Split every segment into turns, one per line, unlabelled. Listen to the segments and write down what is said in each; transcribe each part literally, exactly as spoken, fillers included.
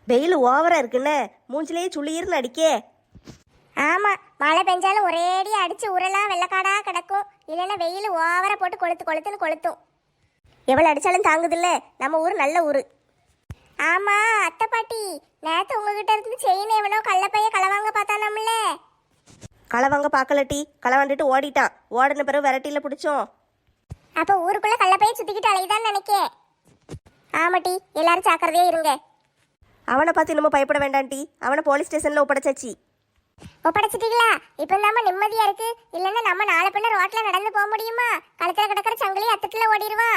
வெயில் ஓவரா இருக்குன்னு மூஞ்சிலேயே சுளிர்னு அடிக்கே.
ஆமா, மழை பெஞ்சாலும் ஒரேடி அடிச்சு உரலாம் வெள்ளக்காடா கிடக்கும். இல்லைன்னா வெயில் ஓவரா போட்டு கொளுத்து கொளுத்துன்னு கொளுத்தும்.
எவ்வளோ அடிச்சாலும் தாங்குதில்ல. நம்ம ஊர் நல்ல ஊர்.
ஆமா அத்தை பாட்டி, நேத்து உங்ககிட்ட இருந்து செயின் எவனோ கள்ளப்பைய களவாங்க பார்த்தானம்ல.
களவாங்க பார்க்கலட்டி, களவாண்டுட்டு ஓடிட்டான். ஓடின பிறகு விரட்டியில பிடிச்சோம்.
அப்ப ஊருக்குள்ள கள்ளப்பைய சுத்திக்கிட்டு அலையுதான்னு நினைக்கேன். ஆமாட்டி, எல்லாரும் ஜாக்கிரதையா இருங்க.
அவனை பார்த்து இன்னமும் பயப்பட வேண்டாண்டி. அவனை போலீஸ் ஸ்டேஷன்ல ஒப்படைச்சாச்சு.
ஒப்படைச்சிட்டீங்களா? இப்ப நம்ம நிம்மதியா இருக்கு. இல்லன்னா நம்ம நாளை பின்ன ரோட்ல நடந்து போக முடியுமா? கழுத்துல கிடக்கிற சங்கிலி அத்தட்டுல ஓடிடுவான்.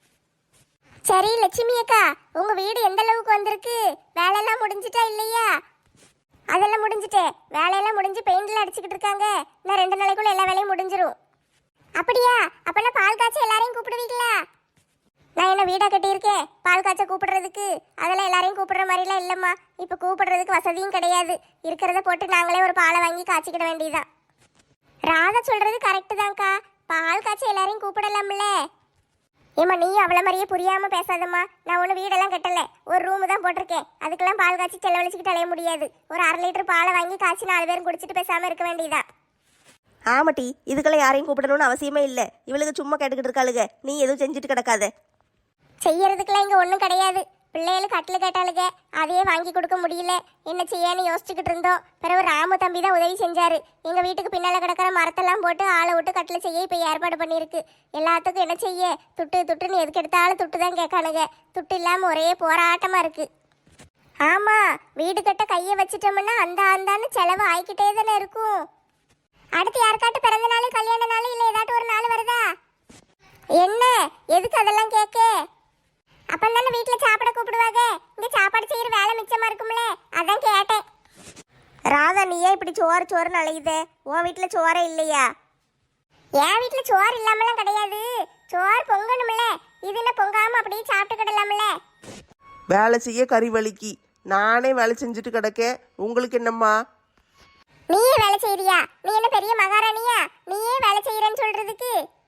சரி லட்சுமி அக்கா, உங்க வீடு எந்த அளவுக்கு வந்திருக்கு? வேலையெல்லாம் முடிஞ்சிட்டா இல்லையா? அதெல்லாம் முடிஞ்சிட்டே. வேலையெல்லாம் முடிஞ்சு பெயிண்ட்ல அடிச்சுக்கிட்டு இருக்காங்க. இன்னும் ரெண்டு நாளைக்குள்ள எல்லா வேலையும் முடிஞ்சிரும். அப்படியா? அப்பனா பால் காய்ச்ச எல்லாரையும் கூப்பிடுவீங்களா? நான் என்ன வீடா கட்டியிருக்கேன் பால் காய்ச்ச கூப்பிடுறதுக்கு? அதெல்லாம் எல்லாரையும் கூப்பிடுற மாதிரிலாம் இல்லைம்மா. இப்போ கூப்பிடுறதுக்கு வசதியும் கிடையாது. இருக்கிறத போட்டு நாங்களே ஒரு பாலை வாங்கி காய்ச்சிக்கிட வேண்டியதான். ராதா சொல்றது கரெக்டு தான்க்கா. பால் காய்ச்ச எல்லாரையும் கூப்பிடலாம்ல. ஏம்மா நீ அவ்வளோ மாதிரியே புரியாம பேசாதம்மா. நான் ஒன்றும் வீடெல்லாம் கட்டல, ஒரு ரூமு தான் போட்டிருக்கேன். அதுக்கெல்லாம் பால் காய்ச்சி செலவழிச்சுக்கிட்டு அலைய முடியாது. ஒரு அரை லிட்டர் பாலை வாங்கி காய்ச்சி நாலு பேரும் குடிச்சிட்டு பேசாமல் இருக்க வேண்டியதான்.
ஆமாட்டி, இதுக்கெல்லாம் யாரையும் கூப்பிடணும்னு அவசியமே இல்லை. இவளுக்கு சும்மா கேட்டுக்கிட்டு இருக்காளுங்க. நீ எதுவும் செஞ்சுட்டு கிடக்காத.
செய்யறதுக்கெல்லாம் இங்கே ஒன்றும் கிடையாது. பிள்ளைகளுக்கு கட்டில் கேட்டாளுங்க, அதையே வாங்கி கொடுக்க முடியல. என்ன செய்யன்னு யோசிச்சுக்கிட்டு இருந்தோம். பிறகு ராமு தம்பி தான் உதவி செஞ்சாரு. எங்கள் வீட்டுக்கு பின்னால் கிடக்கிற மரத்தெல்லாம் போட்டு ஆளை விட்டு கட்டில் செய்ய இப்போ ஏற்பாடு பண்ணியிருக்கு. எல்லாத்துக்கும் என்ன செய்ய, துட்டு துட்டுன்னு எதுக்கு எடுத்தாலும் துட்டு தான் கேட்கானுங்க. துட்டு இல்லாமல் ஒரே போராட்டமாக இருக்கு. ஆமாம், வீடு கட்ட கையை வச்சிட்டோம்னா அந்த அந்தான்னு செலவு ஆகிக்கிட்டே தானே இருக்கும். அடுத்து யாருக்காட்டு பிறந்த நாள் கல்யாண நாள் இல்லை ஏதாட்டும் ஒரு நாள் வருதா? என்ன எதுக்கு அதெல்லாம் கேட்க? அப்ப தானே வீட்டுல சாப்பிட கூப்பிடுவாங்க. இங்க சாப்பாடு செய்யற வேலை மிச்சமா இருக்கும்ல, அதான் கேட்டேன்.
ராதா, நீயே இப்படி சோறு சோறுன்னு அழையுதே. உன் வீட்டில் சோறே இல்லையா?
என் வீட்டுல சோறு இல்லாமலாம் கிடையாது. சோறு பொங்கணும்ல. இது என்ன பொங்காம அப்படியே சாப்பிட்டுக்கிடலாம்ல.
வேலை செய்ய கறி வலிக்கு நானே வேலை செஞ்சுட்டு கிடக்கேன். உங்களுக்கு என்னம்மா?
நீயே வேலை செய்யறியா? நீ என்ன பெரிய மகாராணியா நீயே வேலை செய்யறேன்னு சொல்றதுக்கு?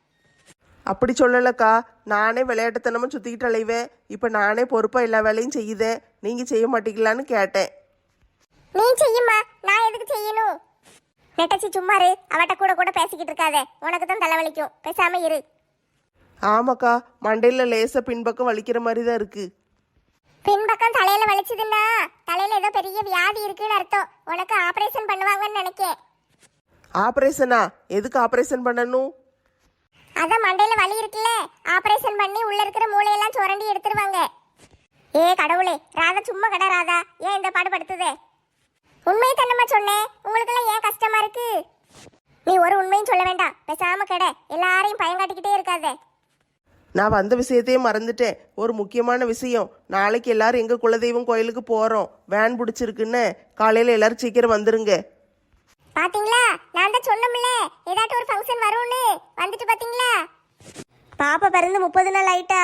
அப்படி சொல்லலக்கா, நானே விளையாட்டுத்தனமாக சுற்றிக்கிட்டு அலைவேன். இப்போ நானே பொறுப்பாக எல்லா வேலையும் செய்யுதேன். நீங்கள் செய்ய மாட்டீங்களான்னு கேட்டேன்.
நீ செய்யுமா, நான் எதுக்கு செய்யணும்? நெட்டச்சி சும்மாரு, அவட்ட கூட கூட பேசிக்கிட்டு இருக்காதே. உனக்கு தான் தலைவலிக்கும், பேசாம இரு.
ஆமாக்கா, மண்டையில் லேசாக பின்பக்கம் வலிக்கிற மாதிரி தான் இருக்குது.
பின்பக்கம் தலையில வலிச்சதுன்னா தலையில ஏதோ பெரிய வியாதி இருக்குன்னு அர்த்தம். உனக்கு ஆபரேஷன் பண்ணுவாங்கன்னு நினைக்கேன்.
ஆப்ரேஷனா? எதுக்கு ஆப்ரேஷன் பண்ணணும்?
அதான் மண்டையில வலி இருக்குல்ல, ஆபரேஷன் பண்ணி உள்ள இருக்கிற மூளையெல்லாம் சுரண்டி எடுத்துருவாங்க. ஏ கடவுளே, ராதா சும்மா கடை. ராதா ஏன் இந்த பாடு படுத்துதே? உண்மையை தன்னமா சொன்னேன். உங்களுக்கெல்லாம் ஏன் கஷ்டமா இருக்கு? நீ ஒரு உண்மையும் சொல்ல வேண்டாம், பேசாம கடை. எல்லாரையும் பயங்காட்டிக்கிட்டே இருக்காதே.
நான் வந்த விஷயத்தையே மறந்துட்டேன். ஒரு முக்கியமான விஷயம். நாளைக்கு எல்லாரும் எங்கள் குலதெய்வம் கோயிலுக்கு போகிறோம். வேன் பிடிச்சிருக்குன்னு காலையில் எல்லாரும் சீக்கிரம் வந்துருங்க.
பாத்தீங்களா, நான் தான் சொன்னோம்ல ஏதாட்டும் ஒரு ஃபங்க்ஷன் வரும்னு. வந்துட்டு பாத்தீங்களா?
பாப்பா பிறந்து முப்பது நாள் ஆயிட்டா?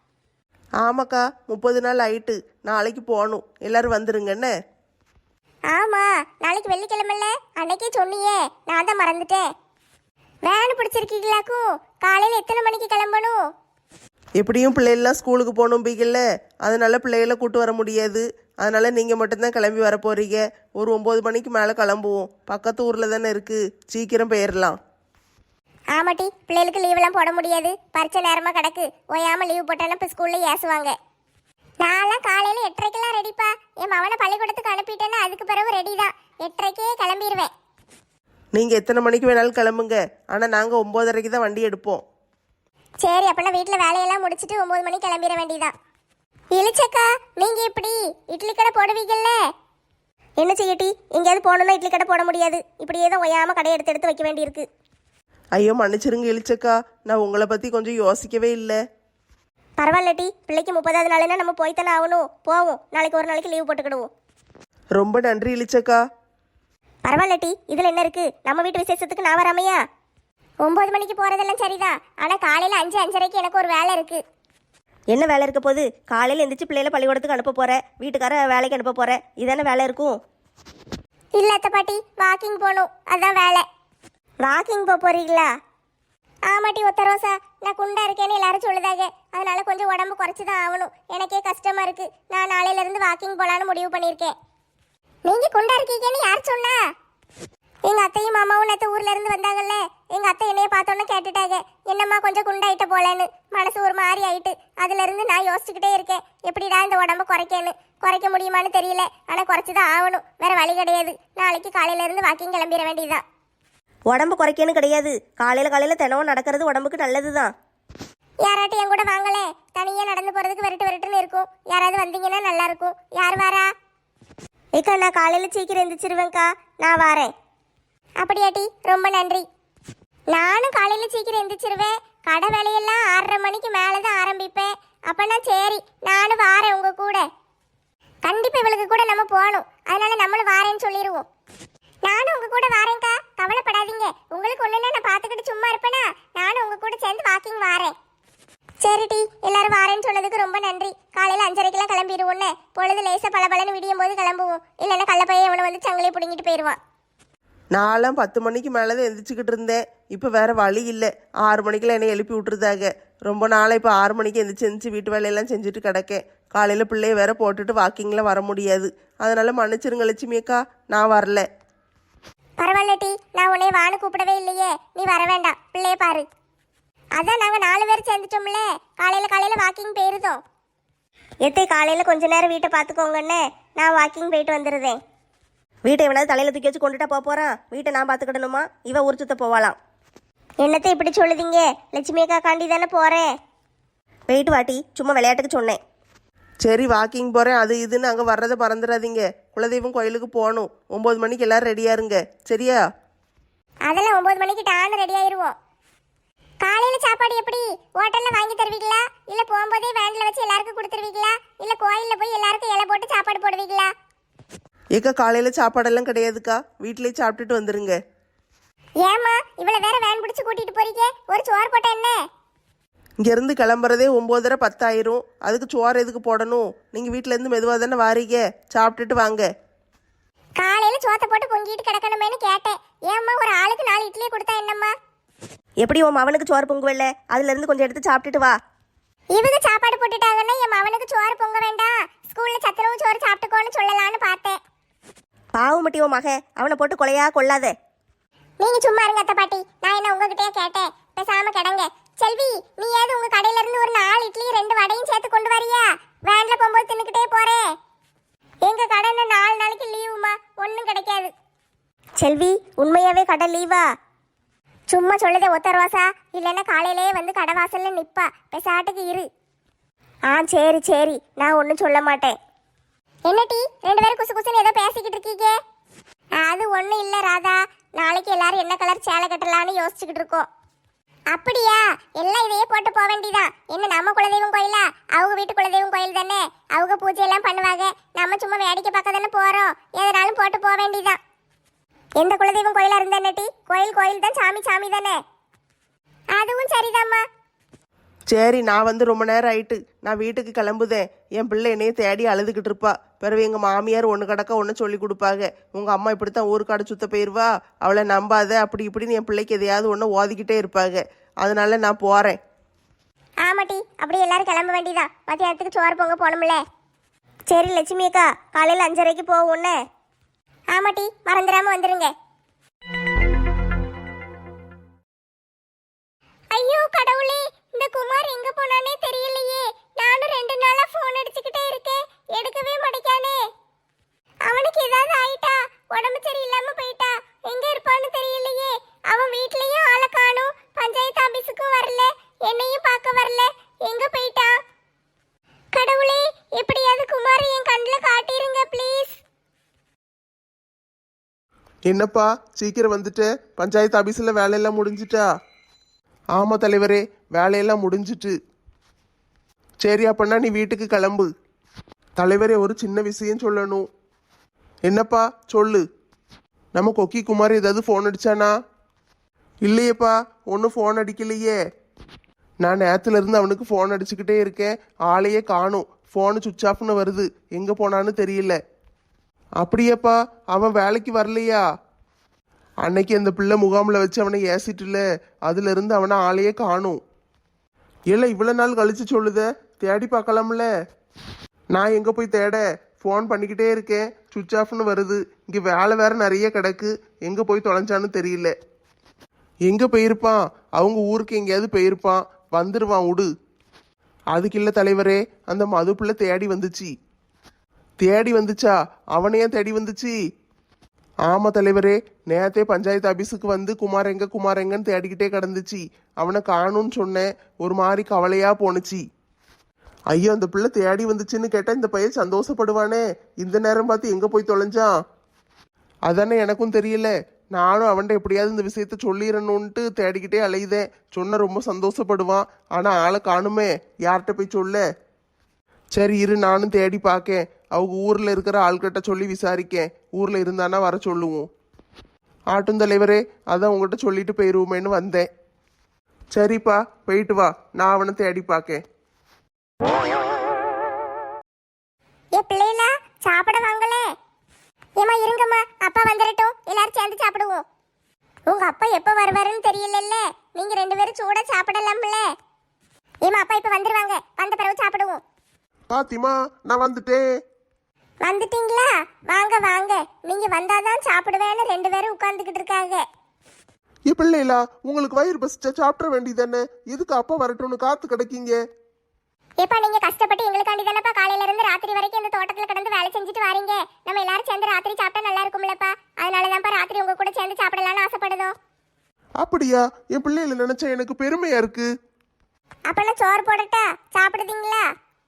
ஆமாக்கா, முப்பது நாள் ஆயிட்டு. நாளைக்கு போகணும். எல்லாரும் வந்துருங்கன்னு.
ஆமா, நாளைக்கு வெள்ளிக்கிழமைல அன்னைக்கே சொன்னியே, நான் தான் மறந்துட்டேன். வேன் பிடிச்சிருக்கீங்களாக்கும்? காலையில எத்தனை மணிக்கு கிளம்பணும்?
எப்படியும் பிள்ளைகள்லாம் ஸ்கூலுக்கு போகணும் பீக்கல்ல, அதனால பிள்ளைகளை கூட்டு வர முடியாது. அதனால நீங்கள் மட்டும்தான் கிளம்பி வர போறீங்க. ஒரு ஒம்பது மணிக்கு மேலே கிளம்புவோம். பக்கத்து ஊரில் தானே இருக்குது, சீக்கிரம் போயிடலாம்.
ஆமாட்டி, பிள்ளைகளுக்கு லீவெல்லாம் போட முடியாது. பரிச்சை நேரமாக கிடக்கு. ஓயாமல் லீவ் போட்டாலும் இப்போ ஸ்கூலில் ஏசுவாங்க. நான்லாம் காலையில் எட்டரைக்கெல்லாம் ரெடிப்பா. என் மவனை பள்ளிக்கூடத்துக்கு அனுப்பிட்டேன்னா அதுக்கு பிறகு ரெடி தான். எட்டரைக்கே கிளம்பிடுவேன்.
நீங்கள் எத்தனை மணிக்கு வேணாலும் கிளம்புங்க. ஆனால் நாங்கள் ஒம்போதரைக்கு தான் வண்டி எடுப்போம்.
சரி, அப்போனா வீட்டில் வேலையெல்லாம் முடிச்சுட்டு ஒம்பது மணிக்கு கிளம்பிட வேண்டியதான். இழிச்சக்கா, நீங்கள் எப்படி இட்லி கடை போடுவீங்கல்ல?
என்ன செய்யட்டி, எங்கேயாவது போகணுன்னா இட்லி கடை போட முடியாது. இப்படியே தான் ஒய்யாமல் கடை எடுத்து எடுத்து வைக்க வேண்டியிருக்கு.
ஐயோ மன்னிச்சிருங்க இழிச்சக்கா, நான் உங்களை பற்றி கொஞ்சம் யோசிக்கவே இல்லை.
பரவாயில்லட்டி, பிள்ளைக்கு முப்பதாவது நாளுன்னா நம்ம போய்த்தானே ஆகணும். போவோம், நாளைக்கு ஒரு நாளைக்கு லீவ் போட்டுக்கிடுவோம்.
ரொம்ப நன்றி இழிச்சக்கா.
பரவாயில்லட்டி, இதில் என்ன இருக்குது? நம்ம வீட்டு விசேஷத்துக்கு நான் வராமையா?
ஒம்பது மணிக்கு போகிறதெல்லாம் சரிதான். ஆனால் காலையில் அஞ்சு அஞ்சரைக்கு எனக்கு ஒரு வேலை இருக்குது.
என்ன வேலை இருக்க போகுது? காலையில் எந்திரிச்சு பிள்ளைகளை பள்ளிக்கூடத்துக்கு அனுப்ப போகிற, வீட்டுக்கார வேலைக்கு அனுப்ப போகிற, இதானே வேலை இருக்கும்?
இல்லை அத்தை பாட்டி, வாக்கிங் போகணும், அதான் வேலை.
வாக்கிங் போக போகிறீங்களா?
ஆமாட்டி ஒத்த ரோசா, நான் குண்டா இருக்கேன்னு எல்லாரும் சொல்லுதாங்க. அதனால கொஞ்சம் உடம்பு குறைச்சி தான் ஆகணும். எனக்கே கஷ்டமா இருக்கு. நான் நாளையில இருந்து வாக்கிங் போலான்னு முடிவு பண்ணியிருக்கேன். நீங்க குண்டா இருக்கீங்கன்னு யார் சொன்னா? எங்க அத்தையும் மாமாவும் நேற்று ஊர்ல இருந்து வந்தாங்கல்ல, எங்க அத்தை என்னைய பார்த்தோன்னு கேட்டுட்டாங்க, என்னம்மா கொஞ்சம் குண்டாயிட்ட போலன்னு. மனசு ஒரு மாதிரி ஆயிட்டு. அதுல இருந்து நான் யோசிச்சுக்கிட்டே இருக்கேன், எப்படிடா இந்த உடம்ப குறைக்கன்னு. குறைக்க முடியுமான்னு தெரியல, ஆனா குறைச்சிதான் ஆகணும், வேற வழி கிடையாது. நாளைக்கு காலையில இருந்து வாக்கிங் கிளம்பிட வேண்டியதுதான்.
உடம்பு குறைக்கன்னு கிடையாது, காலையில் காலையில் தினமும் நடக்கிறது உடம்புக்கு நல்லது தான்.
யாராட்டும் என் கூட வாங்களே, தனியா நடந்து போறதுக்கு விரட்டு விரட்டுன்னு இருக்கும். யாராவது வந்தீங்கன்னா நல்லா இருக்கும். யார் வாரா?
ஏக்கா நான் காலையில் சீக்கிரம் எந்திரிச்சிருவேங்க்கா, நான் வாரேன்.
அப்படியாட்டி, ரொம்ப நன்றி. நானும் காலையில சீக்கிரம் எந்திரிச்சிருவேன். கடை வேலையெல்லாம் ஆறரை மணிக்கு மேலதான் ஆரம்பிப்பேன். அப்பனா சரி, நானும் வாரேன் உங்க கூட. கண்டிப்பா இவளுக்கு கூட நம்ம போகணும், அதனால நம்மளும் வாரேன்னு சொல்லிடுவோம். நானும் உங்க கூட வாரேன்க்கா, கவலைப்படாதீங்க. உங்களுக்கு ஒண்ணுன்னா நான் பாத்துக்கிட்டு சும்மா இருப்பேனா? நானும் உங்க கூட சேர்ந்து வாக்கிங் வாரேன். சரிட்டி, எல்லாரும் வாரேன்னு சொன்னதுக்கு ரொம்ப நன்றி. காலையில அஞ்சரைக்கெல்லாம் கிளம்பிடுவோன்னு. பொழுது லேசா பளபளன்னு விடியும் போது கிளம்புவோம். இல்லைன்னா கள்ளப்பையன் அவனை வந்து சங்கிலே பிடிங்கிட்டு போயிடுவான்.
நான்லாம் பத்து மணிக்கு மேலே தான் எந்திரிச்சிக்கிட்டு இருந்தேன். இப்போ வேறு வழி இல்லை, ஆறு மணிக்கெல்லாம் என்னை எழுப்பி விட்டுருதாங்க. ரொம்ப நாளாக இப்போ ஆறு மணிக்கு எந்திரிச்சு எந்திரிச்சு வீட்டு வேலையெல்லாம் செஞ்சுட்டு கிடக்கேன். காலையில் பிள்ளைய வேற போட்டுட்டு வாக்கிங்கில் வர முடியாது. அதனால் மன்னிச்சிருங்க லட்சுமி அக்கா, நான் வரல.
பரவாயில்ல டி, நான் உன்னை வான்னு கூப்பிடவே இல்லையே. நீ வர வேண்டாம், பிள்ளைய பாரு. அதான் நாங்கள் நாலு பேர் சேர்ந்துட்டோம்ல, காலையில் காலையில் வாக்கிங் போயிருந்தோம்.
எத்தே காலையில் கொஞ்ச நேரம் வீட்டை பார்த்துக்கோங்கண்ணே, நான் வாக்கிங் போயிட்டு வந்துடுறேன். வீட்டை எவனாவது தலையில் தூக்கி வச்சு கொண்டுட்டா போக போகிறான். வீட்டை நான் பார்த்துக்கிடணுமா? இவன் ஊர் சுத்த போவாளாம்.
என்னத்தை இப்படி சொல்லுதீங்க? லட்சுமி அக்கா காண்டி தானே போகிறேன்.
போயிட்டு வாட்டி, சும்மா விளையாட்டுக்கு சொன்னேன்.
சரி வாக்கிங் போகிறேன் அது இதுன்னு அங்கே வர்றதை மறந்துடாதீங்க. குலதெய்வம் கோயிலுக்கு போகணும். ஒம்பது மணிக்கு எல்லோரும் ரெடியாக இருங்க, சரியா?
அதெல்லாம் ஒம்பது மணிக்கு டான்னு ரெடி ஆயிடுவோம். காலையில் சாப்பாடு எப்படி? ஹோட்டலில் வாங்கி தருவீங்களா? இல்லை போகும்போதே வேனில் வச்சு எல்லாருக்கும் கொடுத்துருவீங்களா? இல்லை கோயிலில் போய் எல்லாருக்கும் இலை போட்டு சாப்பாடு போடுவீங்களா?
ஏக்கா காலையில் சாப்பாடெல்லாம் கிடையாதுக்கா, வீட்டிலேயே சாப்பிட்டுட்டு வந்துருங்க.
ஏமா இவளை வேற வேன் பிடிச்சி கூட்டிட்டு போறீங்க? ஒரு சோறு போட்ட என்ன?
இங்கேருந்து கிளம்புறதே ஒம்போதரை பத்தாயிரம். அதுக்கு சோறு எதுக்கு போடணும்? நீங்கள் வீட்டிலேருந்து மெதுவாக தானே வாரீங்க, சாப்பிட்டுட்டு வாங்க.
காலையில சோத்தை போட்டு பொங்கிட்டு கிடக்கணுமேனு கேட்டேன். ஏம்மா ஒரு ஆளுக்கு நாலு இட்லியே கொடுத்தா என்னம்மா?
எப்படி உன் அவனுக்கு சோறு பொங்குவல்ல, அதுலேருந்து கொஞ்சம் எடுத்து சாப்பிட்டுட்டு வா.
இவங்க சாப்பாடு போட்டுட்டாங்கன்னா என் மவனுக்கு சோறு பொங்க வேண்டாம், ஸ்கூல்ல சத்துணவு சோறு சாப்பிட்டுக்கோன்னு சொல்லலான்னு பார்த்தேன்.
பாவம் மட்டி உன் மக, அவனை போட்டு கொலையா கொள்ளாத.
நீங்க சும்மா இருங்க அத்தை பாட்டி, நான் என்ன உங்ககிட்டயே கேட்டேன். பேசாம கிடங்க. செல்வி, நீ ஏது உங்க கடையில இருந்து ஒரு நாலு இட்லி ரெண்டு வடையும் சேர்த்து கொண்டு வரியா? வேன்ல போகும்போது தின்னுக்கிட்டே போறேன். எங்க கடையில நாலு நாளைக்கு லீவுமா, ஒன்றும் கிடைக்காது.
செல்வி, உண்மையாவே கடை லீவா?
சும்மா சொல்லுதே ஒத்த ரோசா, இல்லைன்னா காலையிலேயே வந்து கடை வாசல்ல நிப்பா. பெசாட்டுக்கு இரு.
ஆ சரி சரி, நான் ஒன்றும் சொல்ல மாட்டேன்.
என்ன டீ, ரெண்டு பேரும் குசு குசுன்னு ஏதோ பேசிக்கிட்டு இருக்கீங்க? அது ஒன்றும் இல்லை ராதா, நாளைக்கு எல்லாரும் என்ன கலர் சேலை கட்டலான்னு யோசிச்சுக்கிட்டு இருக்கோம். அப்படியா? எல்லாம் இதையே போட்டு போக வேண்டியதான். என்ன நம்ம குலதெய்வம் கோயிலா? அவங்க வீட்டு குலதெய்வம் கோயில் தானே, அவங்க பூஜை எல்லாம் பண்ணுவாங்க. நம்ம சும்மா வேடிக்கை பார்க்க தானே போறோம், எதனாலும் போட்டு போக வேண்டியதான். எந்த குலதெய்வம் கோயிலா இருந்தா என்ன டீ, கோயில் கோயில் தான், சாமி சாமி தானே. அதுவும் சரிதாம்மா.
சரி, நான் வந்து ரொம்ப நேரம் ஆயிட்டு, நான் வீட்டுக்கு கிளம்புதேன். என் பிள்ளை என்னையே தேடி அழுதுகிட்டு இருப்பா. பிறகு எங்கள் மாமியார் ஒன்று கிடக்க ஒன்று சொல்லி கொடுப்பாங்க. உங்கள் அம்மா இப்படித்தான் ஊருக்காடு சுத்த போயிடுவா, அவளை நம்பாத, அப்படி இப்படின்னு என் பிள்ளைக்கு எதையாவது ஒன்று ஓதிக்கிட்டே இருப்பாங்க. அதனால நான் போகிறேன்.
ஆமாட்டி, அப்படி எல்லாரும் கிளம்ப வேண்டியதான். மத்தியானத்துக்கு சோறு பொங்க போகணும்ல.
சரி லட்சுமி அக்கா, காலையில் அஞ்சரைக்கு போவோன்னு.
ஆமாட்டி, மறந்துடாம வந்துருங்க. ஐயோ கடவுளே, இந்த குமார் எங்க போனானே தெரியலையே. நானும் ரெண்டு நாளா போன் அடிச்சுக்கிட்டே இருக்கேன், எடுக்கவே மாட்டேங்கானே. அவனுக்கு ஏதாவது ஆயிட்டா? உடம்பு சரியில்லாம போயிட்டா? எங்க இருப்பான்னு தெரியலையே. அவன் வீட்லயும் ஆளை காணும், பஞ்சாயத்து ஆபீஸுக்கும் வரல, என்னையும் பார்க்க வரல. எங்க போயிட்டா? கடவுளே, எப்படியாவது குமார் என் கண்ணில் காட்டிருங்க ப்ளீஸ்.
என்னப்பா சீக்கிரம் வந்துட்டு? பஞ்சாயத்து ஆபீஸில் வேலையெல்லாம் முடிஞ்சிட்டா? ஆமாம் தலைவரே, வேலையெல்லாம் முடிஞ்சிட்டு. சரி அப்பன்னா நீ வீட்டுக்கு கிளம்பு. தலைவரே, ஒரு சின்ன விஷயம் சொல்லணும். என்னப்பா சொல்லு. நம்ம கொக்கி குமார் ஏதாவது ஃபோன் அடிச்சானா? இல்லையேப்பா, ஒன்றும் ஃபோன் அடிக்கலையே. நான் நேரத்துலேருந்து அவனுக்கு ஃபோன் அடிச்சுக்கிட்டே இருக்கேன், ஆளையே காணும். ஃபோனு சுவிட்ச் ஆஃப்னு வருது, எங்கே போனான்னு தெரியல. அப்படியேப்பா, அவன் வேலைக்கு வரலையா? அன்னைக்கு அந்த பிள்ளை முகாமில் வச்சு அவனை ஏசிட்டுல, அதுலேருந்து அவனை ஆளையே காணும். இல்லை இவ்வளோ நாள் கழிச்சு சொல்லுத, தேடி பார்க்கலாம்ல. நான் எங்கே போய் தேட, ஃபோன் பண்ணிக்கிட்டே இருக்கேன், சுவிட்ச் ஆஃப்னு வருது. இங்கே வேலை வேற நிறைய கிடக்கு, எங்கே போய் தொலைஞ்சான்னு தெரியல. எங்கே போயிருப்பான்? அவங்க ஊருக்கு எங்கேயாவது போயிருப்பான், வந்துடுவான் விடு. அதுக்கு இல்லை தலைவரே, அந்த மது பிள்ளை தேடி வந்துச்சு. தேடி வந்துச்சா? அவனையே தேடி வந்துச்சு? ஆமாம் தலைவரே, நேரத்தே பஞ்சாயத்து ஆஃபீஸுக்கு வந்து குமார் எங்க குமார் எங்கன்னு தேடிக்கிட்டே கிடந்துச்சு. அவனை காணும்னு சொன்னேன், ஒரு மாதிரி கவலையாக போணுச்சு. ஐயோ, அந்த பிள்ளை தேடி வந்துச்சுன்னு கேட்டால் இந்த பையன் சந்தோஷப்படுவானே. இந்த நேரம் பார்த்து எங்கே போய் தொலைஞ்சான்? அதானே எனக்கும் தெரியல. நானும் அவன்கிட்ட எப்படியாவது இந்த விஷயத்த சொல்லிடணுன்ட்டு தேடிக்கிட்டே அலையுதேன். சொன்ன ரொம்ப சந்தோஷப்படுவான். ஆனால் ஆளை காணுமே, யார்கிட்ட போய் சொல்ல? சரி இரு, நானும் தேடி பார்க்கேன். அவங்க ஊரில் இருக்கிற ஆள்கிட்ட சொல்லி விசாரிக்கேன். ஊரில் இருந்தானா வர சொல்லுவோம். ஆட்டும் தலைவரே, அதான் உங்கள்கிட்ட சொல்லிட்டு போயிடுவோமேன்னு வந்தேன். சரிப்பா, போயிட்டு வா, நான் அவனை தேடி பார்க்கேன்.
ஏ பிள்ளைகளா, சாப்பிட வாங்களே. ஏமா இருங்கம்மா, அப்பா வந்துடட்டும், எல்லாரும் சேர்ந்து சாப்பிடுவோம். உங்க அப்பா எப்ப வருவாருன்னு தெரியலல்ல, நீங்க ரெண்டு பேரும் சூடா சாப்பிடலாம்ல. ஏமா அப்பா இப்ப வந்துருவாங்க, வந்த பிறகு சாப்பிடுவோம்.
பாத்திமா, நான் வந்துட்டேன்.
வந்துட்டீங்களா? வாங்க வாங்க, நீங்க வந்தாதான் சாப்பிடுவேன்னு ரெண்டு பேரும் உட்கார்ந்துகிட்டு இருக்காங்க.
ஏ பிள்ளைகளா, உங்களுக்கு வயிறு பசிச்சா சாப்பிட வேண்டியதானே, எதுக்கு அப்பா வரட்டும்னு காத்து கிடக்கீங்க?
ஏப்பா நீங்க கஷ்டப்பட்டு எங்களுக்காண்டி தானப்பா காலையில இருந்து ராத்திரி வரைக்கும் இந்த தோட்டத்துல கிடந்து வேலை செஞ்சுட்டு வாரீங்க. நம்ம எல்லாரும் சேர்ந்து ராத்திரி சாப்பிட்டா நல்லா இருக்கும்லப்பா. அதனாலதான்ப்பா ராத்திரி உங்க கூட சேர்ந்து சாப்பிடலாம்னு ஆசைப்படுதோம்.
அப்படியா? என் பிள்ளைகளை நினைச்சா எனக்கு பெருமையா இருக்கு.
அப்பெல்லாம் சோறு போடட்டா, சாப்பிடுதீங்களா?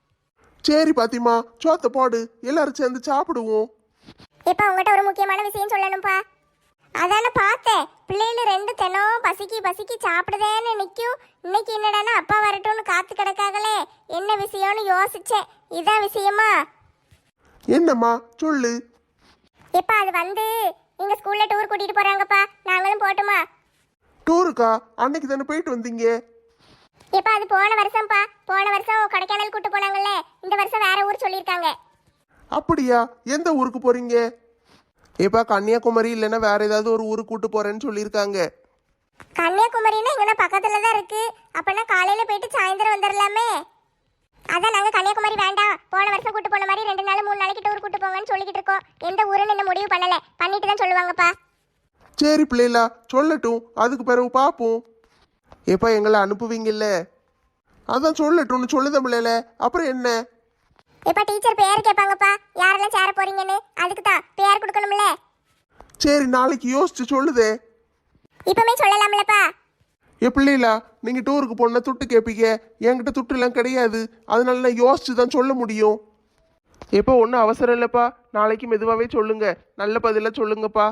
சரி பாத்திமா, சோத்த போடு, எல்லாரும் சேர்ந்து சாப்பிடுவோம்.
இப்ப உங்ககிட்ட ஒரு முக்கியமான விஷயம் சொல்லணும்ப்பா. அதான பார்த்தேன், பிள்ளைகள் ரெண்டு தினம் பசிக்கி பசிக்கி சாப்பிடுதேன்னு நிற்கும். இன்னைக்கு என்னடானா அப்பா வரட்டும்னு காத்து கிடக்காங்களே, என்ன விஷயம்னு யோசிச்சேன். இதான் விஷயமா?
என்னம்மா சொல்லு.
இப்ப அது வந்து எங்க ஸ்கூல்ல டூர் கூட்டிட்டு போறாங்கப்பா, நாங்களும் போட்டுமா?
டூருக்கா? அன்னைக்கு தானே போயிட்டு வந்தீங்க.
இப்ப அது போன வருஷம்ப்பா, போன வருஷம் கொடைக்கானல் கூட்டு போனாங்கல்ல, இந்த வருஷம் வேற ஊர் சொல்லியிருக்காங்க.
அப்படியா? எந்த ஊருக்கு போறீங்க? ஏப்பா கன்னியாகுமரி இல்லைன்னா வேற ஏதாவது ஒரு ஊருக்கு கூட்டு போறேன்னு சொல்லியிருக்காங்க.
கன்னியாகுமரின்னா இங்கே பக்கத்துல தான் இருக்கு. அப்பனா காலையில போயிட்டு சாயந்தரம் வந்துடலாமே. அதான் நாங்க கன்னியாகுமரி வேண்டாம், போன வருஷம் கூட்டு போன மாதிரி ரெண்டு நாள் மூணு நாளைக்கு டூர் கூட்டு போங்கன்னு சொல்லிக்கிட்டு இருக்கோம். எந்த ஊருன்னு இன்னும் முடிவு பண்ணல, பண்ணிட்டு தான் சொல்லுவாங்கப்பா.
சரி பிள்ளைகளா, சொல்லட்டும், அதுக்கு பிறகு பார்ப்போம். ஏப்பா எங்களை அனுப்புவீங்கல்ல? அதான் சொல்லட்டும்னு சொல்லுத பிள்ளைல, அப்புறம் என்ன?
இப்ப டீச்சர் பேர் கேட்பாங்கப்பா, யாரெல்லாம் சேர போறீங்கன்னு. அதுக்கு தான் பேர் கொடுக்கணும்ல.
சரி நாளைக்கு யோசிச்சு சொல்லுதே.
இப்பமே சொல்லலாம்லப்பா.
ஏ பிள்ளைகளா, நீங்க டூருக்கு போனா துட்டு கேட்பீங்க, என்கிட்ட துட்டு எல்லாம் கிடையாது. அதனால நான் யோசிச்சு தான் சொல்ல முடியும். எப்போ ஒன்றும் அவசரம் இல்லைப்பா, நாளைக்கு மெதுவாகவே சொல்லுங்க, நல்ல பதிலாக சொல்லுங்கப்பா.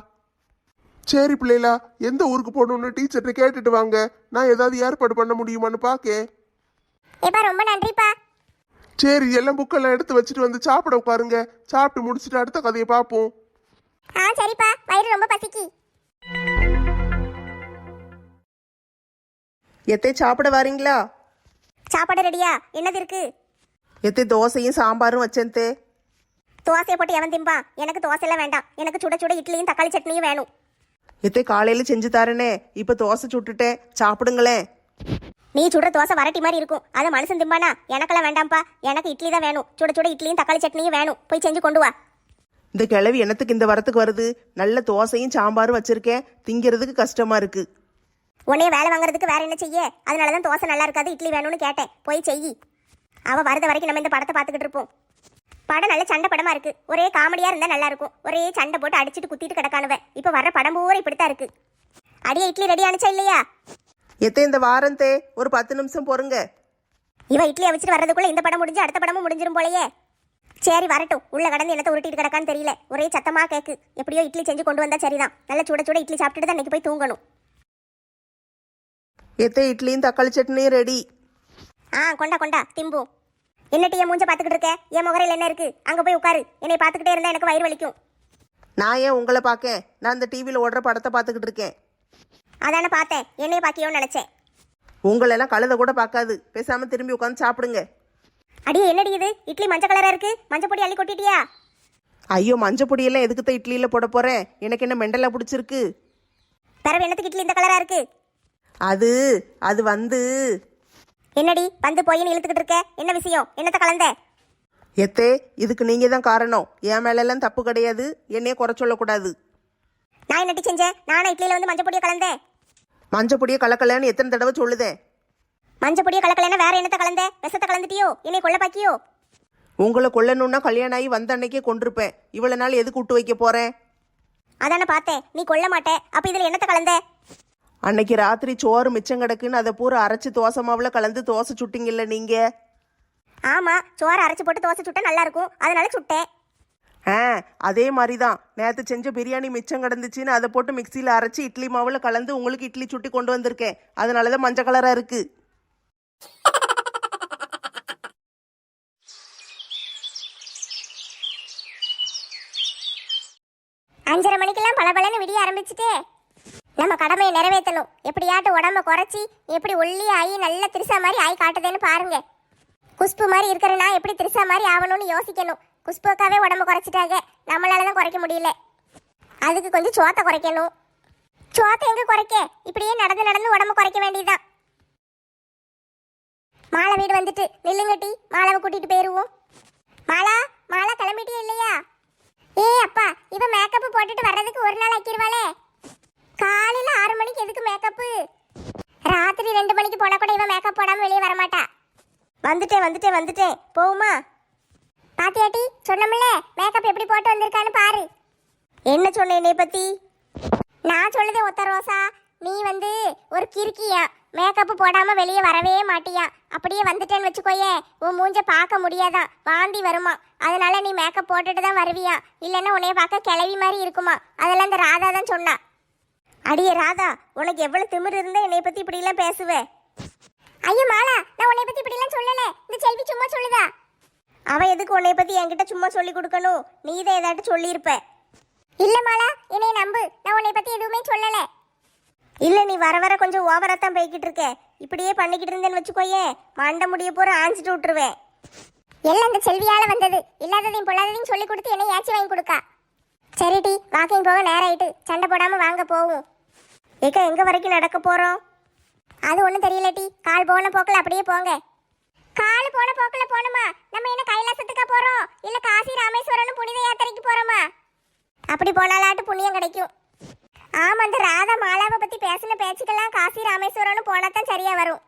சரி பிள்ளைகளா, எந்த ஊருக்கு போகணும்னு டீச்சர்கிட்ட கேட்டுட்டு வாங்க, நான் ஏதாவது ஏற்பாடு பண்ண முடியுமான்னு பார்க்க.
இப்ப ரொம்ப நன்றிப்பா.
சரி, எல்லாம் புக்கெல்லாம் எடுத்து வச்சுட்டு வந்து சாப்பிட உட்காருங்க. சாப்பிட்டு முடிச்சுட்டு அடுத்த கதையை பார்ப்போம்.
ஆ சரிப்பா, வயிறு ரொம்ப பசிக்கி.
எத்தை சாப்பிட வாரீங்களா?
சாப்பாடு ரெடியா? என்னது இருக்கு?
எத்தை தோசையும் சாம்பாரும் வச்சேன் தே.
தோசையை போட்டு எவன் திம்பா? எனக்கு தோசை எல்லாம் வேண்டாம், எனக்கு சுட சுட இட்லியும் தக்காளி சட்னியும் வேணும்.
எத்தை காலையில செஞ்சு தரேனே, இப்ப தோசை சுட்டுட்டேன், சாப்பிடுங்களேன்.
நீ சுடுற தோசை வரட்டி மாதிரி இருக்கும், அதை மனுஷன் திம்பானா? எனக்கெல்லாம் வேண்டாம்ப்பா, எனக்கு இட்லி தான் வேணும். சுட சுட இட்லியும் தக்காளி சட்னியும் வேணும், போய் செஞ்சு கொண்டு வா.
இந்த கிழவி என்னத்துக்கு இந்த வரத்துக்கு வருது? நல்ல தோசையும் சாம்பாரும் வச்சிருக்கேன், திங்கிறதுக்கு கஷ்டமா இருக்கு.
உன்னைய வேலை வாங்குறதுக்கு வேற என்ன செய்ய? அதனாலதான் தோசை நல்லா இருக்காது, இட்லி வேணும்னு கேட்டேன், போய் செய். அவ வரத வரைக்கும் நம்ம இந்த படத்தை பார்த்துக்கிட்டு இருப்போம். படம் நல்ல சண்டை படமா இருக்கு, ஒரே காமெடியா இருந்தா நல்லா இருக்கும். ஒரே சண்டை போட்டு அடிச்சுட்டு குத்திட்டு கிடக்கானுவ. இப்ப வர்ற படம் பூரா இப்படித்தான் இருக்கு. அடியே இட்லி ரெடி ஆனிச்சா இல்லையா?
எத்தை இந்த வாரம் தே, ஒரு பத்து நிமிஷம் பொறுங்க.
இவ இட்லி வச்சுட்டு வர்றதுக்குள்ள இந்த படம் முடிஞ்சு அடுத்த படமும் முடிஞ்சிரும் போலயே. சரி வரட்டும், உள்ள கடந்து என்னத்தை உருட்டிட்டு கிடக்கான்னு தெரியல, ஒரே சத்தமா கேக்கு. எப்படியோ இட்லி செஞ்சு கொண்டு வந்தா சரிதான், நல்ல சுட சுட இட்லி சாப்பிட்டுட்டு தான் இன்னைக்கு போய் தூங்கணும்.
எத்தை இட்லியும் தக்காளி சட்னியும் ரெடி.
ஆ கொண்டா கொண்டா திம்பு. என்னட்டி என் மூஞ்ச பாத்துக்கிட்டு இருக்க? என் முகரையில் என்ன இருக்கு? அங்க போய் உட்காரு, என்னை பாத்துக்கிட்டே இருந்தா எனக்கு வயிறு வலிக்கும்.
நான் ஏன் உங்களை பார்க்கேன்? நான் இந்த டிவியில் ஓடுற படத்தை பார்த்துக்கிட்டு இருக்கேன்.
அதான பார்த்தேன், என்னைய பாக்கியோன்னு நினைச்சேன்.
உங்களெல்லாம் கழுத கூட பார்க்காது, பேசாம திரும்பி உட்காந்து சாப்பிடுங்க.
அடியே என்னடி இது? இட்லி மஞ்சள் கலரா இருக்கு, மஞ்சள் பொடி அள்ளி கொட்டிட்டியா?
ஐயோ, மஞ்சள் பொடியெல்லாம் எதுக்குத்தான் இட்லியில் போட போறேன்? எனக்கு என்ன மெண்டலா பிடிச்சிருக்கு?
பிறகு என்னத்துக்கு இட்லி இந்த கலரா இருக்கு?
அது அது வந்து என்னடி வந்து போயின்னு இழுத்துக்கிட்டு இருக்க? என்ன விஷயம்? என்னத்த கலந்த?
எத்தே, இதுக்கு நீங்க தான் காரணம். என் மேலெல்லாம் தப்பு கிடையாது. என்னைய குறை சொல்லக்கூடாது.
நான் என்னட்டி செஞ்சேன்? நானா இட்லியில வந்து மஞ்சள் பொடியை கலந்தேன்?
மஞ்சள் பொடியை கலக்கலன்னு எத்தனை தடவை சொல்லுதேன்?
மஞ்சள் பொடியை கலக்கலன்னா வேற என்னத்த கலந்த? விஷத்தை கலந்துட்டியோ? என்னை கொல்ல பாக்கியோ?
உங்களை கொல்லணும்னா கல்யாணம் ஆகி வந்த அன்னைக்கே கொண்டிருப்பேன். இவ்வளவு நாள் எதுக்கு விட்டு வைக்க போறேன்?
அதானே பார்த்தேன், நீ கொல்ல மாட்டே. அப்ப இதுல என்னத்த கலந்த?
அன்னைக்கு ராத்திரி சோறு மிச்சம் கிடக்குன்னு அதை பூரா அரைச்சு தோசை மாவுல கலந்து தோசை சுட்டிங்கல்ல நீங்க?
ஆமா, சோறு அரைச்சு போட்டு தோசை சுட்டா நல்லா இருக்கும், அதனால சுட்டேன்.
ஆ, அதே மாதிரி தான் நேற்று செஞ்ச பிரியாணி மிச்சம் கிடந்துச்சின்னு அதை போட்டு மிக்சியில் அரைச்சி இட்லி மாவுல கலந்து உங்களுக்கு இட்லி சுட்டி கொண்டு வந்திருக்கேன். அதனால தான் மஞ்சள் கலராக இருக்கு.
அஞ்சரை மணிக்கெல்லாம் பளபளன்னு விடிய ஆரம்பிச்சுட்டே நம்ம கடமையை நிறைவேற்றணும். எப்படியாட்டும் உடம்ப குறைச்சி எப்படி ஒல்லி ஆகி நல்ல திரிசா மாதிரி ஆகி காட்டுதேன்னு பாருங்க. குஷ்பு மாதிரி இருக்கிறனா எப்படி திரிசா மாதிரி ஆகணும்னு யோசிக்கணும். குஷ்புக்காவே உடம்ப குறைச்சிட்டாங்க, நம்மளால தான் குறைக்க முடியல. அதுக்கு கொஞ்சம் சோத்தை குறைக்கணும். சோத்தை எங்க குறைக்க? இப்படியே நடந்து நடந்து உடம்ப குறைக்க வேண்டியதுதான். மாலை வீடு வந்துட்டு நில்லுங்கட்டி, மாலாவை கூட்டிட்டு போயிருவோம். மாலா, மாலா கிளம்பிட்டே இல்லையா? ஏ அப்பா, இவ மேக்கப் போட்டுட்டு வர்றதுக்கு ஒரு நாள் ஆக்கிடுவாளே. காலையில ஆறு மணிக்கு எதுக்கு மேக்கப்பு? ராத்திரி ரெண்டு மணிக்கு போனா கூட இவ மேக்கப் போடாம வெளியே வரமாட்டா.
வந்துட்டேன் வந்துட்டேன் வந்துட்டேன், போகுமா?
பாத்தியாட்டி, சொன்னமில்ல மேக்கப் எப்படி போட்டு வந்திருக்கான்னு பாரு.
என்ன சொன்ன என்னை பத்தி?
நான் சொல்லுதே ஒத்த ரோசா, நீ வந்து ஒரு கிறுக்கியா. மேக்கப் போடாம வெளியே வரவே மாட்டியா. அப்படியே வந்துட்டேன்னு வச்சுக்கோயே, உன் மூஞ்ச பார்க்க முடியாதான், வாந்தி வருமா. அதனால நீ மேக்கப் போட்டுட்டு தான் வருவியா, இல்லைன்னா உன்னைய பார்க்க கிளவி மாதிரி இருக்குமா. அதெல்லாம் இந்த ராதா தான் சொன்னா.
அடியே ராதா, உனக்கு எவ்வளவு திமிரு இருந்தா என்னை பத்தி இப்படி எல்லாம் பேசுவே?
ஐயோ மாலா, நான் உன்னை பத்தி இப்படி எல்லாம் சொல்லல. இந்த செல்வி சும்மா சொல்லுதா.
அவ எதுக்கு உன்னை பத்தி என்கிட்ட சும்மா சொல்லி கொடுக்கணும்? நீ தான் ஏதாட்டு சொல்லியிருப்ப.
இல்ல மாலா, என்னைய நம்பு, நான் உன்னை பத்தி எதுவுமே சொல்லல.
இல்ல, நீ வர வர கொஞ்சம் ஓவராத்தான் போய்கிட்டு இருக்க. இப்படியே பண்ணிக்கிட்டு இருந்தேன்னு வச்சுக்கோயே, மண்டை முடிய போற ஆஞ்சிட்டு விட்டுருவேன்.
எல்லாம் இந்த செல்வியால வந்தது. இல்லாததையும் பொல்லாததையும் சொல்லி கொடுத்து என்னை ஏச்சி வாங்கி கொடுக்கா. சரிடி, வாக்கிங் போக நேரம் ஆயிட்டு, சண்டை போடாம வாங்க போவோம்.
ஏக்கா, எங்க வரைக்கும் நடக்க போறோம்?
அது ஒன்றும் தெரியலட்டி, கால் போன போக்கில் அப்படியே போங்க. கால் போன போக்கில் போகணுமா? நம்ம என்ன கைலாசத்துக்கா போறோம், இல்ல காசி ராமேஸ்வரன் புனித யாத்திரைக்கு போறோமா? அப்படி போனாலாட்டு புண்ணியம் கிடைக்கும். ஆமா, அந்த ராதா மாலாவை பத்தி பேசின பேச்சுக்கெல்லாம் காசி ராமேஸ்வரன் போனாதான் சரியா வரும்.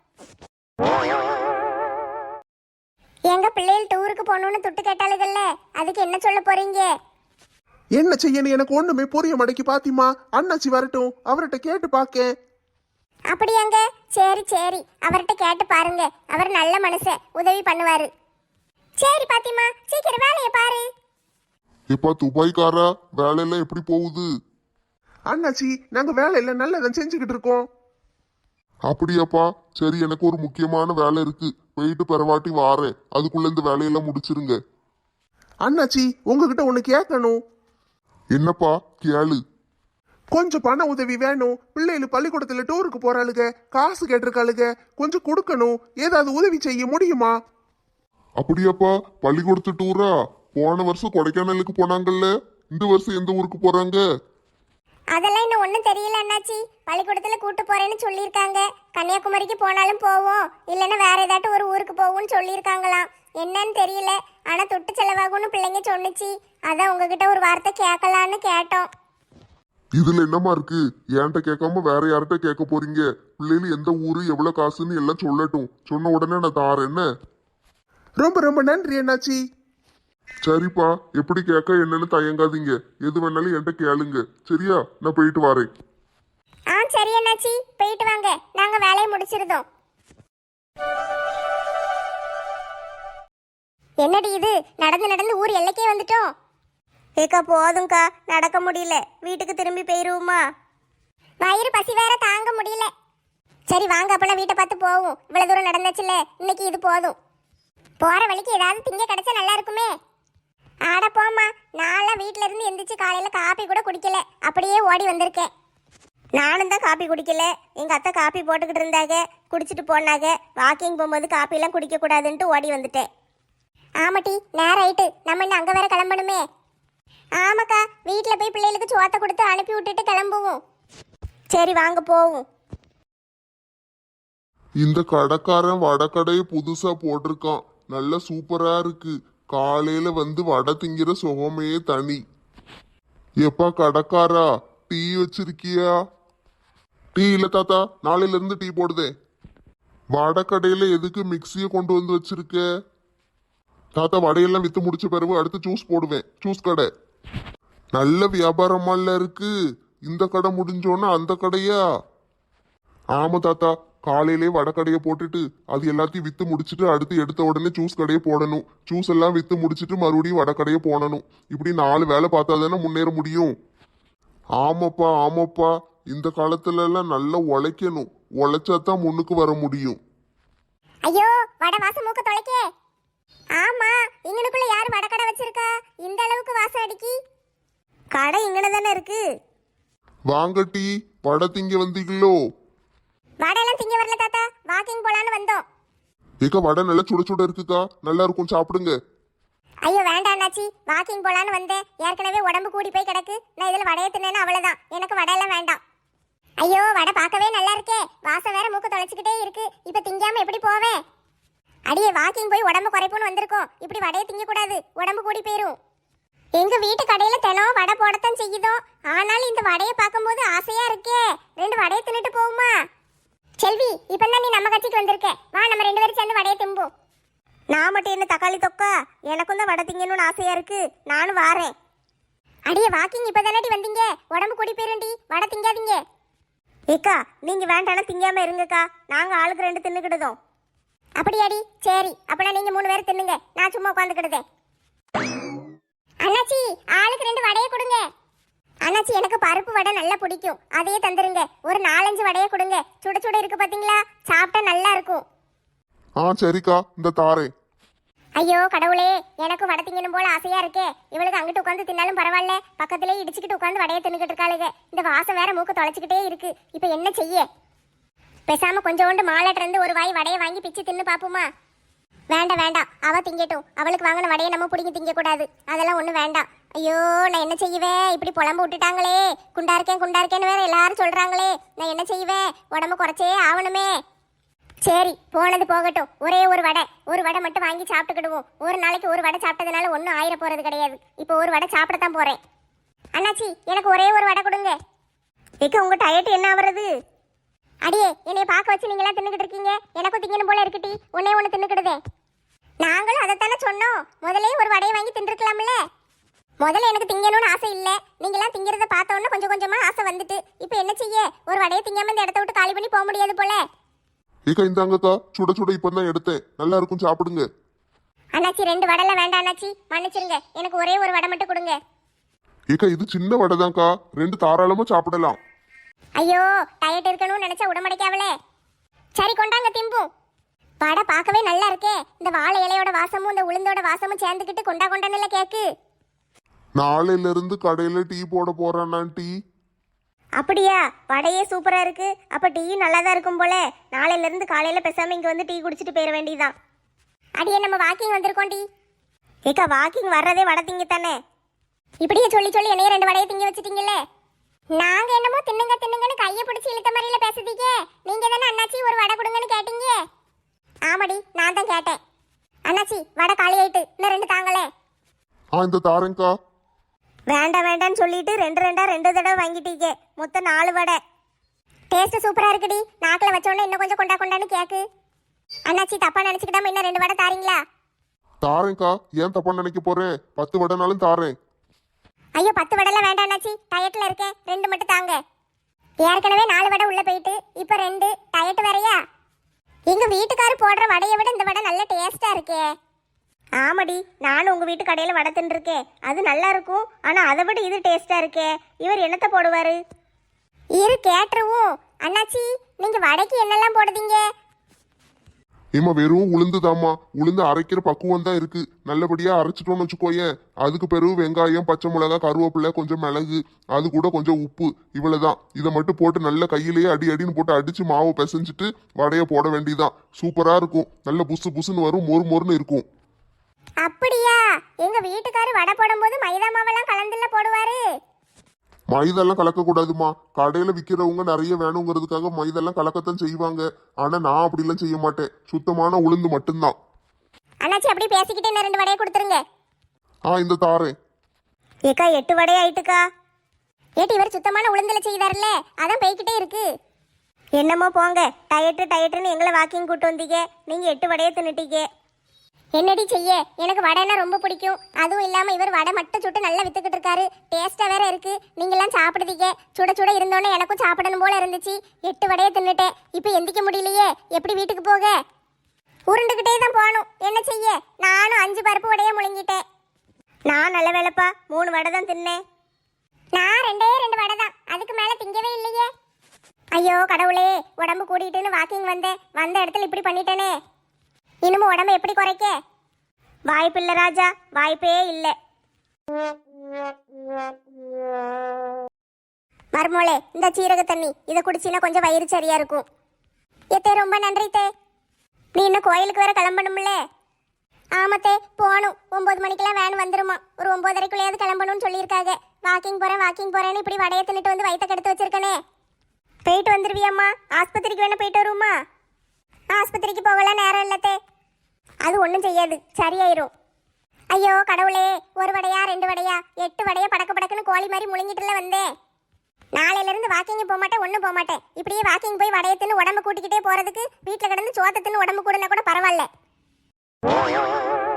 எங்க பிள்ளைகள் டூருக்கு போகணும்னு துட்டு கேட்டாளுகள்ல, அதுக்கு என்ன சொல்ல போறீங்க?
என்ன செய்யணும் எனக்கு ஒண்ணுமே புரிய மடக்கி பாத்திமா. அண்ணாச்சி வரட்டும், அவர்கிட்ட கேட்டு பாக்கேன்.
அப்படியாங்க? சரி சரி, அவர்கிட்ட கேட்டு பாருங்க. அவர் நல்ல மனுஷன், உதவி பண்ணுவாரு. சரி பாத்திமா, சீக்கிரம் வேலையை பாரு.
இப்ப துபாய்க்காரா, வேலையெல்லாம் எப்படி போகுது?
அண்ணாச்சி, நாங்க வேலையில நல்லதான் செஞ்சுக்கிட்டு இருக்கோம்.
அப்படியாப்பா, சரி, எனக்கு ஒரு முக்கியமான வேலை இருக்கு, போயிட்டு பெறவாட்டி வாரேன். அதுக்குள்ள இந்த வேலையெல்லாம் முடிச்சிருங்க.
அண்ணாச்சி, உங்ககிட்ட ஒண்ணு கேட்கணும்.
என்னப்பா? கேளு.
கொஞ்சம் பண உதவி வேணும். பிள்ளைகள் பள்ளிக்கூடத்துல டூருக்கு போறாளுங்க, காசு கேட்டிருக்காளுங்க, கொஞ்சம் கொடுக்கணும். ஏதாவது உதவி செய்ய முடியுமா?
அப்படியாப்பா, பள்ளிக்கூடத்து டூரா? போன வருஷம் கொடைக்கானலுக்கு போனாங்கல்ல, இந்த வருஷம் எந்த ஊருக்கு போறாங்க?
அதெல்லாம் இன்னும் ஒன்றும் தெரியல அண்ணாச்சி. பள்ளிக்கூடத்துல கூட்டு போறேன்னு சொல்லியிருக்காங்க. கன்னியாகுமரிக்கு போனாலும் போவோம், இல்லைன்னா வேற ஏதாட்டும் ஒரு ஊருக்கு போவோம்னு சொல்லியிருக்காங்களாம். என்னன்னு தெரியல, ஆனா தொட்டு செலவாகும்னு பிள்ளைங்க சொன்னுச்சு. அதான் உங்ககிட்ட ஒரு வார்த்தை கேட்கலான்னு கேட்டோம்.
இதுல என்னமா இருக்கு? என்கிட்ட கேட்காம வேற யார்கிட்ட கேட்க போறீங்க? பிள்ளைகள் எந்த ஊரு, எவ்வளவு காசுன்னு எல்லாம் சொல்லட்டும். சொன்ன உடனே நான் தாரேன். என்ன?
ரொம்ப ரொம்ப நன்றி அண்ணாச்சி.
சரிப்பா, எப்படி கேட்க என்னன்னு தயங்காதீங்க. எது வேணாலும் என்கிட்ட கேளுங்க. சரியா? நான் போயிட்டு வரேன்.
ஆ சரி அண்ணாச்சி, போயிட்டு வாங்க, நாங்க வேலையை முடிச்சிருந்தோம். என்னடி இது, நடந்து நடந்து ஊர் எல்லைக்கே வந்துட்டோம்.
ஏக்கா போதும்க்கா, நடக்க முடியல, வீட்டுக்கு திரும்பி போயிருவோமா?
வயிறு பசி வேற தாங்க முடியல. சரி வாங்க, அப்பெல்லாம் வீட்டை பார்த்து போவோம். இவ்வளவு தூரம் நடந்துச்சுல, இன்னைக்கு இது போதும். போற வழிக்கு ஏதாவது திங்க கிடைச்சா நல்லா இருக்குமே. ஆட போமா, நான்லாம் வீட்டுல இருந்து எந்திரிச்சு காலையில காப்பி கூட குடிக்கல, அப்படியே ஓடி வந்திருக்கேன்.
நானும் தான் காப்பி குடிக்கல. எங்க அத்தை காப்பி போட்டுக்கிட்டு இருந்தாங்க, குடிச்சிட்டு போனாங்க. வாக்கிங் போகும்போது காப்பி எல்லாம் குடிக்க கூடாதுன்ட்டு ஓடி வந்துட்டேன்.
ஆமாட்டி, நேரம் ஆயிட்டு, நம்ம இன்னும் அங்க வேற கிளம்பணுமே. ஆமாக்கா, வீட்டுல போய் பிள்ளைகளுக்கு சோத்தை கொடுத்து அனுப்பி விட்டுட்டு கிளம்புவோம்.
சரி வாங்க போவோம்.
இந்த கடைக்காரன் வடக்கடையை புதுசா போட்டிருக்கான். நல்ல சூப்பரா இருக்கு. காலையில வந்து வடை திங்கிற சுகமே தனி. எப்பா கடைக்காரா, டீ வச்சிருக்கியா? டீ இல்ல தாத்தா, நாளையில இருந்து டீ போடுதே. வடக்கடையில எதுக்கு மிக்சியை கொண்டு வந்து வச்சிருக்க? தாத்தா வடையெல்லாம் வித்து முடிச்ச பிறகு அடுத்து ஜூஸ் போடுவேன். ஜூஸ் கடை நல்ல வியாபாரமால இருக்கு. இந்த கடை முடிஞ்சோன்னா அந்த கடையா? ஆமா தாத்தா, காலையிலே வடக்கடையை போட்டுட்டு அது எல்லாத்தையும் வித்து முடிச்சுட்டு அடுத்து எடுத்த உடனே ஜூஸ் கடையை போடணும். ஜூஸ் எல்லாம் வித்து முடிச்சுட்டு மறுபடியும் வடக்கடையை போடணும். இப்படி நாலு வேலை பார்த்தா தானே முன்னேற முடியும். ஆமாப்பா ஆமாப்பா, இந்த காலத்துல எல்லாம் நல்லா உழைக்கணும். உழைச்சாதான் முன்னுக்கு வர முடியும்.
ஐயோ வடை வாசம் மூக்க தொலைக்கே. ஆமா, இங்கனுக்குள்ள யாரு வடை கடை வச்சிருக்கா? இந்த அளவுக்கு வாசம் அடிக்கி.
கடை இங்கன தானே இருக்கு.
வாங்க டீ, வடை திங்க வந்தீங்களோ?
வடையெல்லாம் திங்க வரல தாத்தா, வாக்கிங் போலான்னு வந்தோம்.
ஏக்கா வடை நல்லா சுட சுட இருக்குக்கா, நல்லா இருக்கும், சாப்பிடுங்க.
ஐயோ வேண்டாம் அண்ணாச்சி, வாக்கிங் போலான்னு வந்தேன். ஏற்கனவே உடம்பு கூடி போய் கிடக்கு. நான் இதுல வடையை தின்னேன்னா அவ்வளவுதான். எனக்கு வடையெல்லாம் வேண்டாம். ஐயோ வடை பார்க்கவே நல்லா இருக்கே, வாசம் வேற மூக்க தொலைச்சிக்கிட்டே இருக்கு. இப்ப திங்காம எப்படி போவேன்? அடியே வாக்கிங் போய் உடம்பு குறைப்புன்னு வந்திருக்கோம். இப்படி வடையை திங்க கூடாது, உடம்பு கூடி போயிரும். எங்க வீட்டு கடையில தினம் வடை போடத்தான் செய்யுதோ. ஆனாலும் இந்த வடையை பார்க்கும்போது ஆசையா இருக்கே. ரெண்டு வடையை தின்னுட்டு போகுமா? செல்வி, இப்பதான் நீ நம்ம கட்சிக்கு வந்திருக்க. வா நம்ம ரெண்டு பேரும் சேர்ந்து வடையை திம்போம்.
நான் மட்டும் என்ன தக்காளி தொக்கா? எனக்கும் தான் வடை திங்கணும்னு ஆசையா இருக்கு. நானும் வாரேன்.
அடியே வாக்கிங் இப்பதானடி வந்தீங்க, உடம்பு கூடி போயிருண்டி. வடை திங்காதீங்க.
ஏக்கா நீங்க வேண்டானா திங்காம இருங்கக்கா. நாங்க ஆளுக்கு ரெண்டு தின்னுக்கிடுதோம்.
அப்படியாடி? சரி, அப்பனா நீங்க மூணு பேரும் தின்னுங்க, நான் சும்மா உட்காந்துக்கிடுதேன். அண்ணாச்சி ஆளுக்கு ரெண்டு வடையை கொடுங்க. அண்ணாச்சி எனக்கு பருப்பு வடை நல்லா பிடிக்கும், அதையே தந்துருங்க. ஒரு நாலஞ்சு வடையை கொடுங்க. சுட சுட இருக்கு பாத்தீங்களா, சாப்பிட்டா நல்லா இருக்கும்.
ஆ சரிக்கா, இந்த தாரேன்.
ஐயோ கடவுளே, எனக்கு வடை திங்கணும் போல ஆசையா இருக்கே. இவளுக்கு அங்கிட்டு உட்காந்து தின்னாலும் பரவாயில்ல, பக்கத்திலே இடிச்சுக்கிட்டு உட்காந்து வடையை தின்னுக்கிட்டு இருக்காளுங்க. இந்த வாசம் வேற மூக்க தொலைச்சிக்கிட்டே இருக்கு. இப்ப என்ன செய்ய? பேசாம கொஞ்சோண்டு மாலாட்ட இருந்து ஒரு வாய் வடையை வாங்கி பிச்சு தின்னு பாப்போமா? வேண்டாம் வேண்டாம், அவ திங்கட்டும். அவளுக்கு வாங்கின வடையை நம்ம பிடிங்கி திங்க கூடாது. அதெல்லாம் ஒண்ணு வேண்டாம். ஐயோ நான் என்ன செய்வேன்? இப்படி புலம்பு விட்டுட்டாங்களே. குண்டா இருக்கேன் குண்டா இருக்கேன்னு வேற எல்லாரும் சொல்றாங்களே. நான் என்ன செய்வேன்? உடம்பு குறைச்சே ஆகணுமே. சரி போனது போகட்டும். ஒரே ஒரு வடை, ஒரு வடை மட்டும் வாங்கி சாப்பிட்டுக்கிடுவோம். ஒரு நாளைக்கு ஒரு வடை சாப்பிட்டதுனால ஒன்றும் ஆயிர போறது கிடையாது. இப்போ ஒரு வடை சாப்பிடத்தான் போறேன். அண்ணாச்சி எனக்கு ஒரே ஒரு வடை கொடுங்க.
ஏக்கா உங்க டயட் என்ன ஆவறது?
அடியே என்னைய பார்க்க வச்சு நீங்களா தின்னுக்கிட்டு இருக்கீங்க. எனக்கும் திங்கணும் போல இருக்குட்டி. ஒன்னே ஒன்று தின்னுக்கிடுதே. நாங்களும் அதைத்தானே சொன்னோம். முதலே ஒரு வடையை வாங்கி தின்றுக்கலாம்ல. முதல்ல எனக்கு திங்கணும்னு ஆசை இல்லை. நீங்களாம் திங்கிறத பார்த்தோன்னா கொஞ்சம் கொஞ்சமா ஆசை வந்துட்டு. இப்போ என்ன செய்ய? ஒரு வடையை திங்காம இந்த இடத்த விட்டு காலி பண்ணி போக முடியாது போல.
ஏக்கா இந்தாங்கக்கா, சுட சுட இப்பதான் எடுத்தேன், நல்லா இருக்கும், சாப்பிடுங்க.
அண்ணாச்சி ரெண்டு வடைல வேண்டாம் அண்ணாச்சி, மன்னிச்சிருங்க. எனக்கு ஒரே ஒரு வடை மட்டும் கொடுங்க.
ஏக்கா இது சின்ன வடை தான்க்கா, ரெண்டு தாராளமா சாப்பிடலாம்.
ஐயோ டயட் இருக்கணும்னு நினைச்சா உடம்படைக்காவலே. சரி கொண்டாங்க திம்பும். வடை பார்க்கவே நல்லா இருக்கே. இந்த வாழை இலையோட வாசமும் இந்த உளுந்தோட வாசமும் சேர்ந்துக்கிட்டு கொண்டா கொண்டான்னு கேக்கு.
நாளையில இருந்து கடையில டீ போட போறானா டீ?
அப்படியா? வடையே சூப்பரா இருக்கு. அப்ப டீ நல்லா தான் இருக்கும் போல. நாளையில இருந்து காலையில பேசாம இங்க வந்து டீ குடிச்சிட்டு போயிட வேண்டியதான்.
அடியே நம்ம வாக்கிங் வந்திருக்கோம் டி.
ஏக்கா வாக்கிங் வர்றதே வடை திங்க தானே.
இப்படியே சொல்லி சொல்லி என்னைய ரெண்டு வடையை திங்க வச்சுட்டீங்கல்ல. நாங்க என்னமோ தின்னுங்க தின்னுங்கன்னு கையை பிடிச்சி இழுத்த மாதிரில பேசுதீங்க. நீங்க தானே அண்ணாச்சி ஒரு வடை கொடுங்கன்னு கேட்டீங்க. ஆமாடி நான் தான் கேட்டேன். அண்ணாச்சி வடை காலி ஆயிட்டு, இன்னும் ரெண்டு தாங்களே.
ஆ இந்த தாரேங்க்கா.
வேண்டாம் வேண்டாம்னு சொல்லிட்டு ரெண்டு ரெண்டா ரெண்டு தடவை வாங்கிட்டீங்க. மொத்தம் நாலு வடை.
டேஸ்ட் சூப்பரா இருக்குடி. நாக்கில் வச்சோடனே இன்னும் கொஞ்சம் கொண்டா கொண்டான்னு கேக்கு. அண்ணாச்சி தப்பா நினைச்சுக்கிட்டாம இன்னும் ரெண்டு வடை தாரீங்களா?
தாரேங்க்கா, ஏன் தப்பா நினைக்க போறேன்? பத்து வடைனாலும் தாரேன்.
ஐயோ பத்து வடைலாம் வேண்டாம் அண்ணாச்சி, டயட்ல இருக்கேன். ரெண்டு மட்டும் தாங்க. ஏற்கனவே நாலு வடை உள்ள போயிட்டு இப்ப ரெண்டு. டயட் வேறையா? எங்க வீட்டுக்காரு போடுற வடையை விட இந்த வடை நல்ல டேஸ்டா இருக்கே.
ஆமாடி, நானும் உங்க வீட்டு கடையில வடை தின்றுருக்கேன். அது நல்லா இருக்கும். ஆனா அதை விட இது டேஸ்டா இருக்கே. இவர் என்னத்தை போடுவாரு?
இரு கேட்டுருவோம். அண்ணாச்சி நீங்க வடைக்கு என்னெல்லாம் போடுதீங்க?
ஏமா வெறும் உளுந்துதாம்மா. உளுந்து அரைக்கிற பக்குவம் தான் இருக்கு. நல்லபடியா அரைச்சிட்டோம்னு வச்சுக்கோயேன். அதுக்கு பிறகு வெங்காயம், பச்சை மிளகா, கருவேப்பிலை, கொஞ்சம் மிளகு, அது கூட கொஞ்சம் உப்பு, இவ்வளவுதான். இதை மட்டும் போட்டு நல்ல கையிலேயே அடி அடின்னு போட்டு அடிச்சு மாவு பிசைஞ்சிட்டு வடையை போட வேண்டியதான். சூப்பரா இருக்கும். நல்ல புசு புசுன்னு வரும், மொறு மொறுன்னு இருக்கும்.
அப்படியா? எங்க வீட்டுக்காரு வடை போடும்போது மைதா மாவெல்லாம் கலந்துல போடுவாரு.
மைதெல்லாம் கலக்கக்கூடாதுமா. கடையில விற்கிறவங்க நிறைய வேணுங்கிறதுக்காக மைதெல்லாம் கலக்கத்தான் செய்வாங்க. ஆனா நான் அப்படிலாம் செய்ய மாட்டேன். சுத்தமான உளுந்து மட்டும்தான்.
அண்ணாச்சி அப்படி பேசிக்கிட்டே இன்னும் ரெண்டு வடையை கொடுத்துருங்க.
ஆ இந்த தாரேன்.
ஏக்கா எட்டு வடை ஆயிட்டுக்கா.
ஏட்டி இவர் சுத்தமான உளுந்துல செய்தாருல்ல, அதான் போய்கிட்டே இருக்கு.
என்னமோ போங்க, டயட்டு டயட்டுன்னு எங்களை வாக்கிங் கூட்டு வந்தீங்க, நீங்க எட்டு வடையை தின்னுட்டீங்க.
என்னடி செய்ய, எனக்கு வடைன்னா ரொம்ப பிடிக்கும். அதுவும் இல்லாம இவர் வடை மட்டும் சுட்டு நல்லா வித்துக்கிட்டு இருக்காரு. டேஸ்டா வேற இருக்கு. நீங்கெல்லாம் சாப்பிடுதீங்க. சுட சுட இருந்தோன்னே எனக்கும் சாப்பிடணும் போல இருந்துச்சு. எட்டு வடையை தின்னுட்டேன். இப்போ எந்திக்க முடியலையே, எப்படி வீட்டுக்கு போக? உருண்டுகிட்டே தான் போகணும். என்ன செய்ய, நானும் அஞ்சு பருப்பு வடையை முழுங்கிட்டேன்.
நான் நல்ல வேலைப்பா, மூணு வடை தான் தின்னேன்.
நான் ரெண்டே ரெண்டு வடை தான், அதுக்கு மேல திங்கவே இல்லையே. ஐயோ கடவுளே, உடம்பு கூடிட்டுன்னு வாக்கிங் வந்தேன், வந்த இடத்துல இப்படி பண்ணிட்டேனே. இனிமே உடம்பு எப்படி குறைக்க?
வாய்ப்பில்லை ராஜா, வாய்ப்பே இல்லை.
மர்மோளே, இந்த சீரக தண்ணி இதை குடிச்சினா கொஞ்சம் வயிறு சரியா இருக்கும். ஏத்தே ரொம்ப நன்றி தே.
நீ இன்னும் கோயிலுக்கு வேற கிளம்பணும்ல?
ஆமத்தே போகணும். ஒன்பது மணிக்கெல்லாம் வேன் வந்துருமா. ஒரு ஒன்பதரைக்குள்ளேயாவது கிளம்பணும்னு சொல்லியிருக்காங்க. வாக்கிங் போறேன் வாக்கிங் போறேன்னு இப்படி வடையை தின்னுட்டு வந்து வயிற்ற கெடுத்து வச்சிருக்கனே.
போயிட்டு வந்துருவியம்மா? ஆஸ்பத்திரிக்கு வேணா போயிட்டு வருமா?
ஆஸ்பத்திரிக்கு போகலாம் நேரம் இல்லத்தே.
அது ஒன்றும் செய்யாது, சரியாயிரும்.
ஐயோ கடவுளே, ஒரு வடையா ரெண்டு வடையா எட்டு வடையா படக்க படக்குன்னு கோழி மாதிரி முழுங்கிட்டுல வந்தேன். நாளையில இருந்து வாக்கிங் போக மாட்டேன், ஒன்றும் போக மாட்டேன். இப்படியே வாக்கிங் போய் வடையை தின்னு உடம்பு கூட்டிக்கிட்டே போறதுக்கு வீட்டில் கிடந்து சோத்த தின்னு உடம்பு கூடனா கூட பரவாயில்ல.